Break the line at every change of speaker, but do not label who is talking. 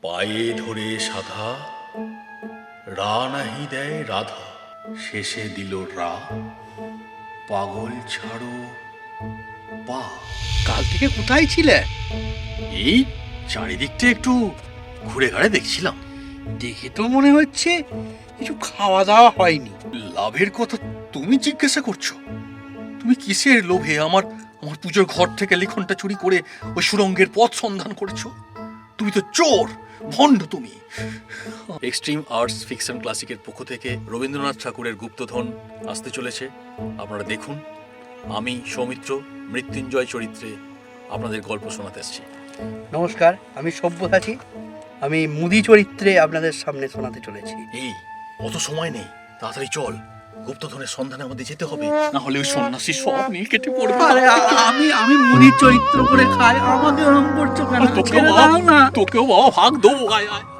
পায়ে ধরে সাধা, রা নাহি দেয় রাধা, শেষে দিল রা, পাগল ছাড়ো পা।
কাল থেকে কোথায় ছিলে?
এই চারিদিকটা একটু ঘুরে ঘাড়ে দেখছিলাম।
দেখে তো মনে হচ্ছে কিছু খাওয়া দাওয়া হয়নি।
লাভের কথা তুমি জিজ্ঞাসা করছো? তুমি কিসের লোভে আমার আমার পুজোর ঘর থেকে লিখনটা চুরি করে ওই সুরঙ্গের পথ সন্ধান করেছো? তুমি তো চোর, ভণ্ড তুমি। এক্সট্রিম আর্টস ফিকশন ক্লাসিকের পক্ষ থেকে রবীন্দ্রনাথ ঠাকুরের গুপ্তধন আসতে চলেছে। আপনারা দেখুন। আমি সৌমিত্র মৃত্যুঞ্জয় চরিত্রে আপনাদের গল্প শোনাতে এসেছি।
নমস্কার, আমি সব্যসাচী। আমি মুদি চরিত্রে আপনাদের সামনে শোনাতে চলেছি।
এই অত সময় নেই, তাড়াতাড়ি চল, গুপ্তধনের সন্ধানে আমাদের যেতে হবে, না হলে ওই সন্ন্যাসী সব নীল কেটে পড়বে।
আরে আমি মুদির চরিত্র করে খাই, আমাকে ওরকম করছো কেন? ছেড়ে দাও না।
তোকেও বাবা ভাগ দেবো। আয় আয়।